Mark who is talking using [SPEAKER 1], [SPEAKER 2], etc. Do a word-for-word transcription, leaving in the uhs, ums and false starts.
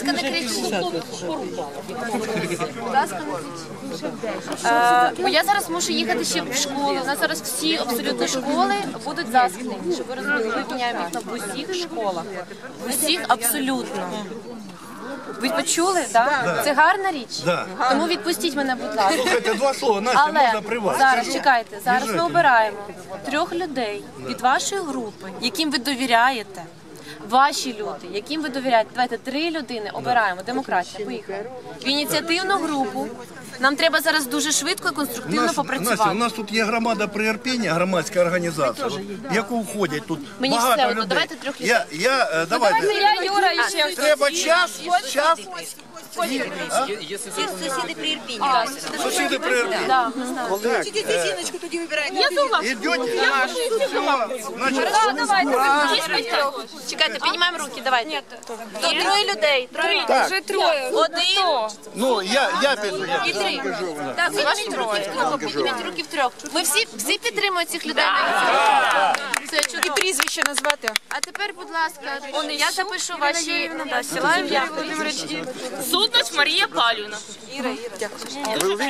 [SPEAKER 1] ласка, не кричіть. Будь ласка, не кричіть. Е, бо я зараз мушу їхати ще в школу. У нас зараз всі абсолютно школи будуть заскнені. Щоб ви розуміли, ми міняємо вікна в усіх школах. В усіх абсолютно. Ви почули, так? Да? Це гарна річ?
[SPEAKER 2] Да.
[SPEAKER 1] Тому відпустіть мене, будь ласка.
[SPEAKER 2] Слухайте, два слова, Настя,
[SPEAKER 1] Але
[SPEAKER 2] можна при вас?
[SPEAKER 1] зараз, чекайте, зараз ми обираємо трьох людей від вашої групи, яким ви довіряєте. Ваші люди, яким ви довіряєте. Давайте три людини обираємо. Демократія, поїхали. В ініціативну групу. Нам треба зараз дуже швидко і конструктивно
[SPEAKER 2] Нас,
[SPEAKER 1] попрацювати.
[SPEAKER 2] Настя, у нас тут є громада приєрпіння, громадська організація, в яку входять тут
[SPEAKER 1] Мені
[SPEAKER 2] багато
[SPEAKER 1] все одно,
[SPEAKER 2] людей.
[SPEAKER 1] давайте трьох людей.
[SPEAKER 2] Я, я, е, давайте.
[SPEAKER 1] Я, Юра, і ще.
[SPEAKER 2] Треба час, час.
[SPEAKER 3] Сусіди при Ірпіні.
[SPEAKER 2] Сусіди приєрпіння.
[SPEAKER 1] Да, ми знаємо.
[SPEAKER 3] Хочете жіночку тоді вибирати?
[SPEAKER 1] Я думав.
[SPEAKER 2] Ідете? Значить,
[SPEAKER 1] Да, давайте. Чекайте, піднімаємо руки, давайте. То троє людей. Троє.
[SPEAKER 3] Вже троє.
[SPEAKER 1] Один.
[SPEAKER 2] ну, я, я піду. Я.
[SPEAKER 1] І три. Так, ваші руки втрьох, підніміть руки втрьох. Ми всі, всі підтримують цих людей. Це чудово.
[SPEAKER 3] І прізвище назвати.
[SPEAKER 1] А тепер, будь ласка, я запишу ваші села ім'я.
[SPEAKER 4] Суднач Марія Палівна.
[SPEAKER 3] Іра, Іра.